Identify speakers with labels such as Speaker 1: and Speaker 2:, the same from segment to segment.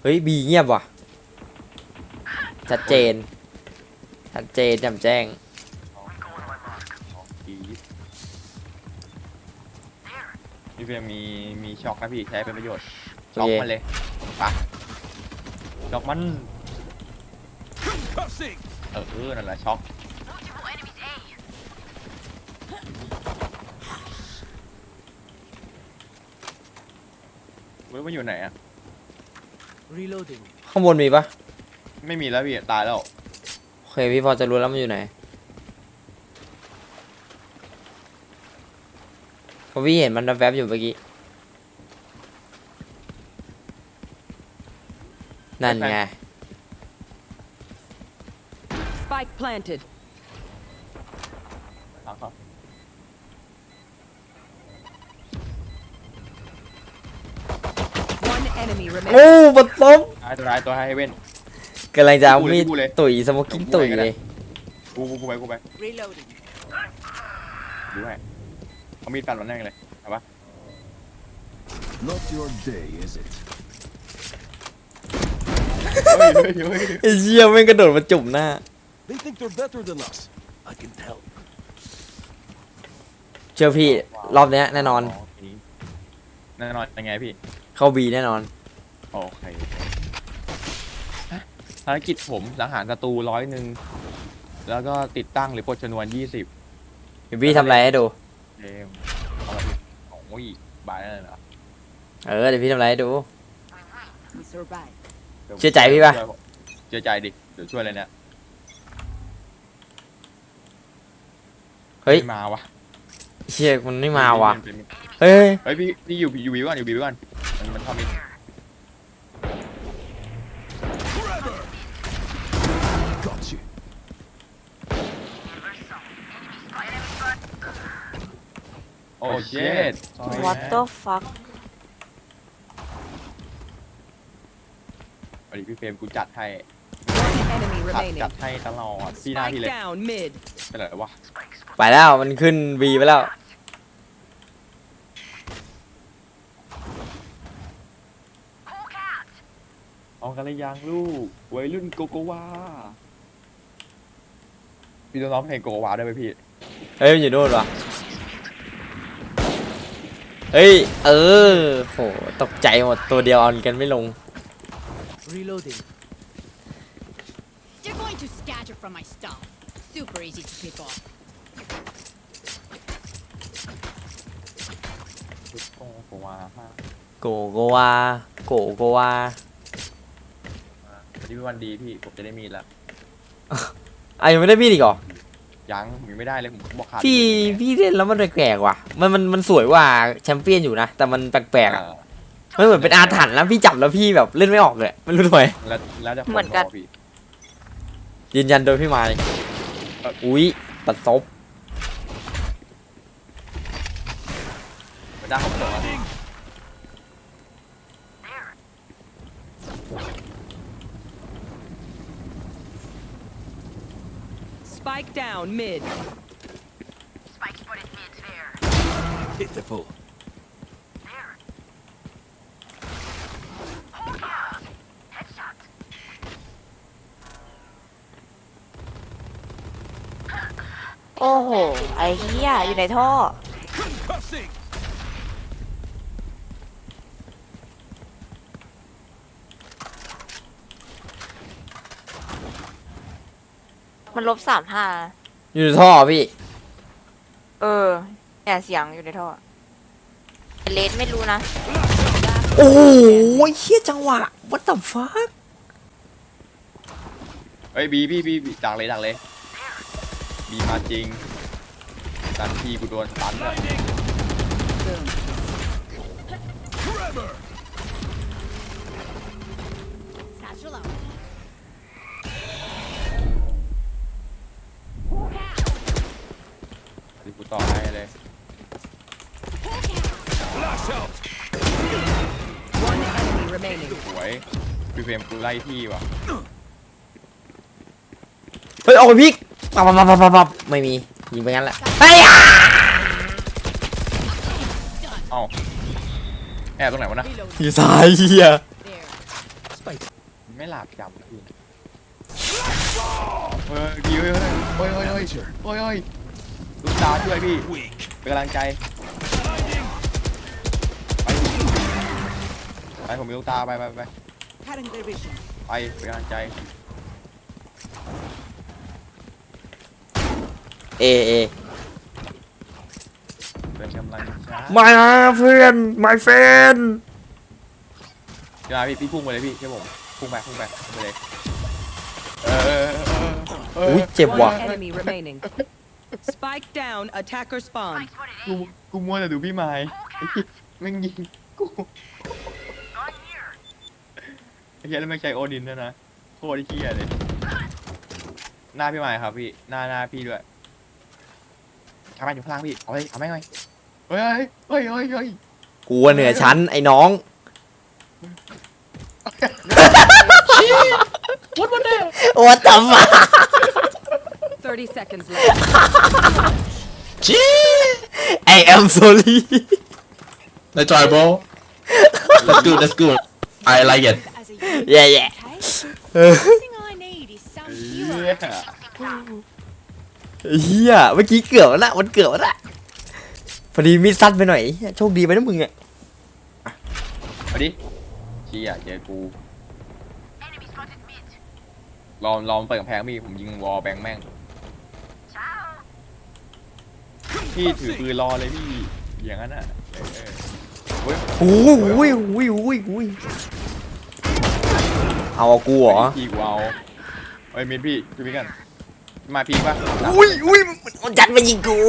Speaker 1: เฮ้ยบีเงียบว่ะชัดเจนชัดเจนแจ่มแจ้ง
Speaker 2: พี่เฟียมีช็อกนะพี่ใช้เป็นประโยชน์ช็อกมันเลยปะช็อกมันนั่นแหละช็อกมันอยู่ไหนอะ
Speaker 3: Reloading.
Speaker 1: ข้างบนมีปะ
Speaker 2: ไม่มีแล้วพี่ตายแล้ว
Speaker 1: โอเคพี่พอจะรู้แล้วมันอยู่ไหนเพราะพี่เห็นมันแวบๆอยู่เมื่อกี้นั่นไง
Speaker 4: Spike planted.
Speaker 2: หลังเขา
Speaker 4: One enemy
Speaker 1: โอ้
Speaker 4: remaining.
Speaker 1: บัดซบ
Speaker 2: ตัวให้เว้น
Speaker 1: กำลังจะเอามีด
Speaker 2: กูเลย
Speaker 1: ตุ๋ยสโมกกิ้งตุ๋ยเลย
Speaker 2: กูไป
Speaker 4: Reloading.
Speaker 2: ดูให้เอามีดฟันมันแน่เลยเอาปะ
Speaker 5: Not your day, is it?
Speaker 2: เฮ้ย
Speaker 1: ไอ้เชี่ยแม่งกระโดดมาจุ่มหน้า
Speaker 5: They think they're better than us. I can tell.
Speaker 1: เชื่อพี่รอบเนี้ยแน่นอน
Speaker 2: แน่นอนยังไงพี่
Speaker 1: เข้าบีแน่นอน
Speaker 2: โอเคภารกิจผมสังหารศัตรู100แล้วก็ติดตั้งหรือปลดชนวน20
Speaker 1: เดี๋ยวพี่ทำอะไรให้ดู
Speaker 2: เกมเอามาพี่โอ้ยบายเลยเหรอ
Speaker 1: เดี๋ยวพี่ทำอะไรให้ดู
Speaker 4: We survive.
Speaker 1: เชื่อใจพี่ปะ
Speaker 2: เชื่อใจดิเดี๋ยวช่วยเลยเนี่ย
Speaker 1: เฮ้ย
Speaker 2: ไม่มาวะ
Speaker 1: เชี่ยมันไม่มาว่ะเฮ้ย
Speaker 2: เฮ้ยพี่อยู่วิวก่อนมันเข้ามิด
Speaker 5: Got you.
Speaker 2: โอ้เช็ด
Speaker 6: What the fuck
Speaker 2: สวัสดีพี่เฟรมกูจัดให้
Speaker 4: One enemy
Speaker 2: จัด
Speaker 4: remaining.
Speaker 2: ให้ตลอดพี่หน้าพี่
Speaker 4: Spike
Speaker 2: เลย
Speaker 4: down mid.
Speaker 2: เป็นไรวะ
Speaker 1: ไปแล้วมันขึ้นบีไปแล้ว
Speaker 2: เอากันเลยยังลูกวัยรุ่นโกโกวาพี่ต้องร้องเพลงโกโกวาได้ไหมพี่
Speaker 1: เฮ้ยมันอยู่นู่นว่ะเฮ้ยโหตกใจหมดตัวเดียวเอากันไม่ลง
Speaker 3: Reloading.
Speaker 7: They're going to scatter from my stuff. Super easy to pick off.
Speaker 2: โกโกวาฮะ
Speaker 1: โกโกวาโกโกวา
Speaker 2: วันนี้เป็นวันดีพี่ผมจะได้มีดแล้ว
Speaker 1: ยังไม่ได้พี่อีกเหรอ
Speaker 2: ยังมีไม่ได้เลยผมบอกขาด
Speaker 1: พี่เล่นแล้วมันแปลกๆว่ะมันสวยกว่าแชมเปี้ยนอยู่นะแต่มันแปลกๆอ่ะมันเหมือนเป็นอาถรรพ์แล้วพี่จับแล้วพี่แบบเล่นไม่ออกเลยไม่รู้ทำไม
Speaker 2: แล้วจะ
Speaker 6: เหมือนกัน
Speaker 2: พี่
Speaker 1: ยืนยันโดยพี่ไม้อุ๊ยปัดซบ
Speaker 2: มันได้ผมบอกว่า
Speaker 4: Spike down mid.
Speaker 5: Pitiful.
Speaker 6: โอ้โห ไอ้เหี้ยอยู่ในท่อ
Speaker 5: Concussing.
Speaker 6: มัน-35
Speaker 1: อยู่ในท่อพี่
Speaker 6: เนี่ยเสียงอยู่ในท่อเลสไม่รู้นะ
Speaker 1: โอ้โหเฮี้ยจังหวะ what the fuck
Speaker 2: เฮ้ยบีดักเลยบีมาจริงดันทีกูโดนตันเลย
Speaker 5: Trevor.
Speaker 7: Satchel out.
Speaker 2: ที่กูต่อให้เลย
Speaker 5: Flash out.
Speaker 4: One enemy remaining.
Speaker 2: สวยพี่เฟรมกูไล่ที่ว่ะ
Speaker 1: เฮ้ยออกไปพลิกปับไม่มียิงไปงั้นแหละไอ้ยา
Speaker 2: เอ้าแอบตรงไหนวะนะ
Speaker 7: Reload.
Speaker 1: อยู่ซ้ายเฮีย
Speaker 7: There.
Speaker 3: Spike
Speaker 2: ไม่หลาบจำนะพี่ดีเฮ้ยเฮ้ยลูกตาช่วยพี่เป็นกำลังใจไปผมมีลูกตาไป
Speaker 4: Cutting their vision.
Speaker 2: ไปเป็นกำลังใจ
Speaker 1: เอ
Speaker 2: เป็นกำลังใจ
Speaker 1: มาเพื่อน my friend
Speaker 2: เดี๋ยวพี่พุ่งไปเลยพี่เชื่อผมพุ่งไปเลย
Speaker 1: อุ้ยเจ็บว่ะ
Speaker 4: One enemy remaining. Spike down. Attacker spawn.
Speaker 2: กูมัวแต่ดูพี่ไม้แม่งยิงกูไอ้เหี้ยแล้วไม่ใช่โอดินด้วยนะโคตรเหี้ยเลยหน้าพี่ไม้ครับพี่หน้าพี่ด้วยทำไมอยู่ข้างล่างพี่เอาไหมเฮ้ย
Speaker 1: กูเหนือชั้นไอ้น้อง What the fuck
Speaker 4: 30 seconds left.
Speaker 1: I am sorry
Speaker 8: Let's try, bro. That's good. I like it.
Speaker 7: As a unit,
Speaker 1: yeah yeah
Speaker 7: okay? The thing I need is some
Speaker 2: เหี้
Speaker 7: hero.
Speaker 2: ย
Speaker 1: เฮียเมื่อกี้เกือบแล้วนะมันเกือบแล้วนะพอดีมิดซัดไปหน่อยเหี้ยโชคดีไปนะมึงอ่ะ
Speaker 2: มาดิเชี่ยเจอกูลองเปิดกำแพงพี่ผมยิงวอลแบงแม่งพี่ถือปืนรอเลยพี่อย่างนั้นอ่ะ
Speaker 1: โอ้ยเอากูเหรอ
Speaker 2: พี่กูเอาเฮ้ยมินพี่ช่วยพี่กันมาพี่ป่ะ
Speaker 1: อุ้ยมันจัดมายิงกู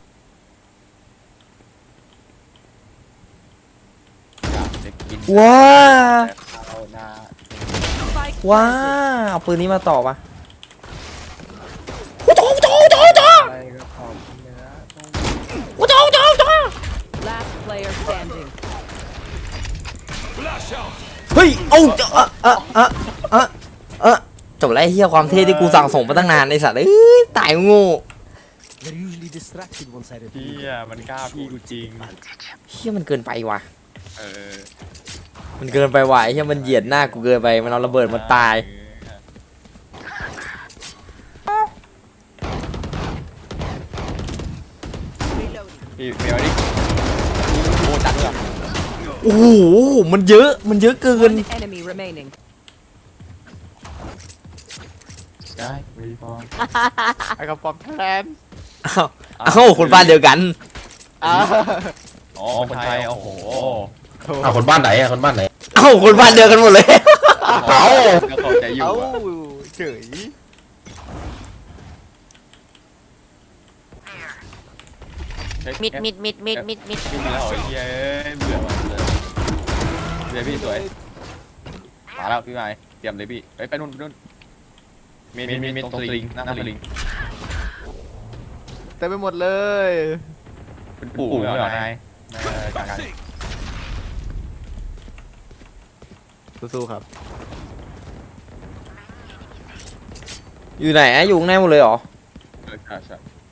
Speaker 1: ว้า
Speaker 2: เอาหน้า
Speaker 4: Spike
Speaker 1: ว้า
Speaker 4: planted.
Speaker 1: เอาปืนนี้มาต่อปะ
Speaker 2: อะไรก็ขอบเนื้อ
Speaker 4: Last player standing.
Speaker 1: เฮ้ยเอาจบแล้วไอ้เฮียความเท่ที่กูสั่งส่งมาตั้งนานไอ้สัตว์เอ้ยตายโง่
Speaker 3: They're usually distracted once I
Speaker 2: พี่
Speaker 3: reveal.
Speaker 2: อ่ะมันกล้าพี่กูจริง
Speaker 1: เฮียมันเกินไปว่ะ
Speaker 2: เออ
Speaker 1: มันเกินไปว่ะไอ้เฮียมันเหยียดหน้ากูเกินไปมันเอาระเบิดมาตาย
Speaker 2: พี่เมียวดิโอ้จัดเลย
Speaker 1: โอ้โหมันเยอะเกิน
Speaker 4: One enemy remaining.
Speaker 2: ได้วีฟองไอ้กระป๋องแทน
Speaker 1: เอ้าคนบ้านเดียวกัน
Speaker 2: อ๋อคนไทยโอ้โห
Speaker 8: คนบ้านไหนคนบ้านไหน
Speaker 1: เอ้าคนบ้านเดียวกันหมดเลย
Speaker 8: เอา
Speaker 2: ก็เข้าใจอยู่อะเฉย
Speaker 6: มิด
Speaker 2: พี่มีแล้วเหรอเย้เบื่อว่ะเดี๋ยวพี่สวยมาแล้วพี่ไม้เตรียมเลยพี่ไปนู่นมีตรงสลิงหน้าสลิง
Speaker 9: เต็มไปหมดเลย
Speaker 2: เป็นปู่เหรอนายจากการ
Speaker 9: สู้ๆครับ
Speaker 1: อยู่ไหนอะอยู่ข้างในหมดเลยเหรอ
Speaker 2: ใช่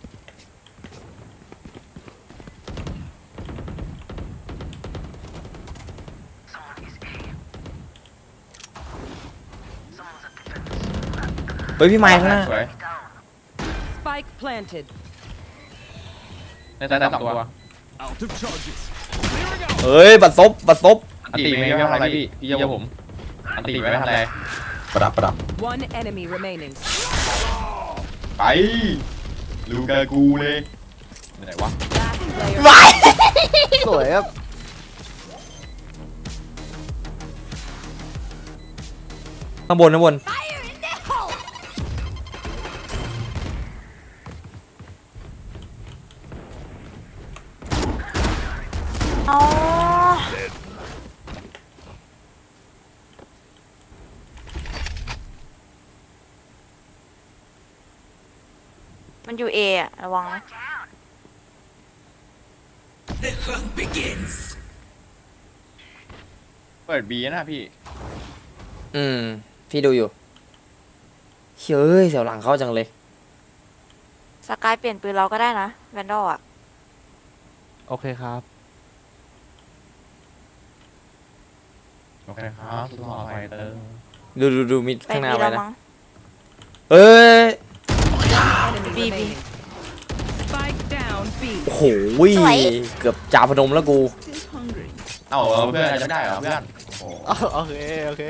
Speaker 1: เฮ้ยพี่ไมค์ข้างหน้า
Speaker 2: สวย
Speaker 4: Spike planted.
Speaker 2: ในแต่สองตัว
Speaker 5: Out of charges.
Speaker 1: เฮ้ยบัดซบ
Speaker 2: อันตีไม่ทำอะไรพี่เจ้าผมอันตีไม่ทำอะไร
Speaker 8: ประดับ
Speaker 4: One enemy remaining.
Speaker 2: ไปลูกากูเลยไหนวะ
Speaker 4: Last player.
Speaker 1: ไป
Speaker 9: สวยครับ
Speaker 1: ข้างบน
Speaker 7: Fire in the hole!
Speaker 6: อ๋อมันอยู่เอะระวังนะ
Speaker 2: เปิดบีนะพี่
Speaker 1: พี่ดูอยู่เฮ้ยเสียวหลังเข้าจังเลย
Speaker 6: สกายเปลี่ยนปืนเราก็ได้นะแวนดอลอ่ะ
Speaker 9: โอเคครับ
Speaker 2: โอเคครับสุดหล่อไฟเตอร์
Speaker 1: ดูมิด
Speaker 6: ไป
Speaker 1: ข้างหน้า
Speaker 6: มี
Speaker 1: ไว้
Speaker 6: แล้ว
Speaker 1: นะ
Speaker 6: มั้ง
Speaker 1: เอ้ย
Speaker 4: Enemy
Speaker 6: B, B.
Speaker 4: remaining. Spike down B.
Speaker 1: โอ้โห
Speaker 6: สวย
Speaker 1: เกือบจ่าพนมแล้วกู
Speaker 2: เอ้าเพื่อนจะได้เหรอเพื่อนโอ้
Speaker 9: โอเค โอเค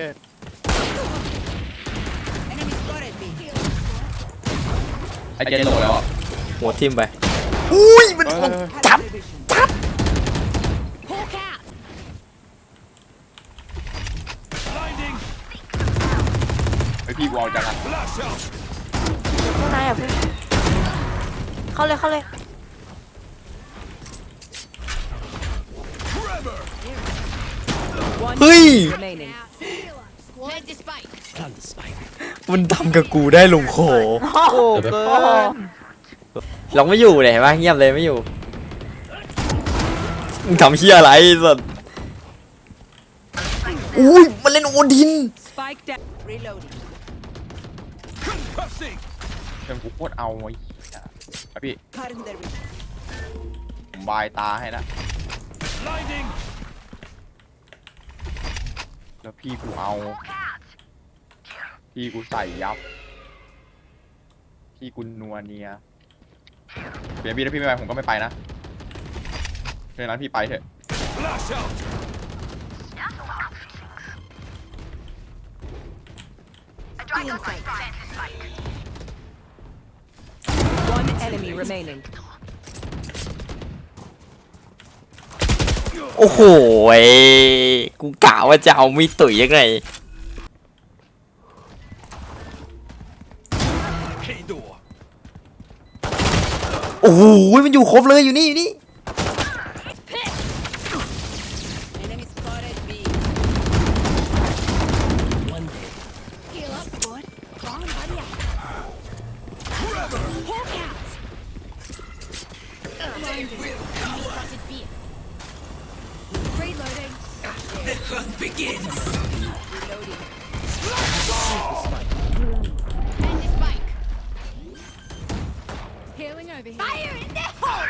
Speaker 7: Enemy spotted B.
Speaker 2: ไอเจนโหลแล้วอ่ะ
Speaker 1: หัวทิ่มไปอุ้ยมันจับ
Speaker 7: Hawk out.
Speaker 2: ไอพี่กูเอาจังอ่ะ
Speaker 6: ข้างในอ่ะพี่เข้าเลยเข้าเลย
Speaker 4: One
Speaker 1: เฮ้ย
Speaker 4: remaining.
Speaker 7: Plant the spike.
Speaker 3: Plant the spike.
Speaker 1: มันทำกับกูได้ลงคอ
Speaker 9: โอ้เกิน
Speaker 1: เราไม่อยู่เลยเห็นปะเงียบเลยไม่อยู่มึงทำเฮียอะไรสัสอุ้ยมันเล่นโอดิน
Speaker 4: Spike down.
Speaker 7: Reloading.
Speaker 2: เพื่อนกูโคตรเอาไว้ไอพี่
Speaker 7: Cutting their vision.
Speaker 2: ผมบายตาให้นะแล้วพี่กูเอา พี่กูใส่ยับ พี่กูนัวเนียเปลี่ยนพี่ถ้าพี่ไม่ไปผมก็ไม่ไปนะเพราะฉะนั้นพี่ไปเถอะ
Speaker 7: Stealing sight.
Speaker 4: One enemy remaining.
Speaker 1: โอ้โหยกูกะว่าจะเอามีดตุ๋ยยังไงโอ้โหมันอยู่ครบเลยอยู่นี่อยู่นี่
Speaker 7: Enemy spotted B.
Speaker 3: One day.
Speaker 7: Heal up, squad. Come on, buddy. Hawk out. Blinded. Spotted B. Reloading. Reloading. Plant the spike. Healing over here. Fire in the hole.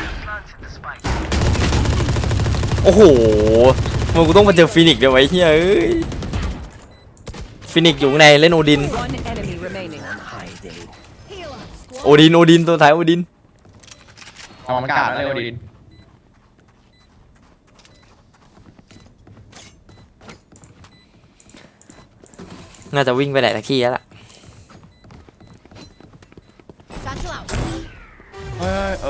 Speaker 1: โอ้โหมึงกูต้องมาเจอฟินิกซ์เดี๋ยวไว้เฮ้ยเอ้ยฟินิกซ์อยู่ข้างในเล่นโอดิน
Speaker 4: One enemy remaining.
Speaker 3: High day.
Speaker 7: Heal up, squad.
Speaker 1: โอดินตัวท้ายโอดิน
Speaker 2: เอามันกาดนะเร็วดิน
Speaker 1: น่าจะวิ่งไปไหนตะขี้แล้วล่ะ
Speaker 7: Satchel out.
Speaker 2: เฮ้ย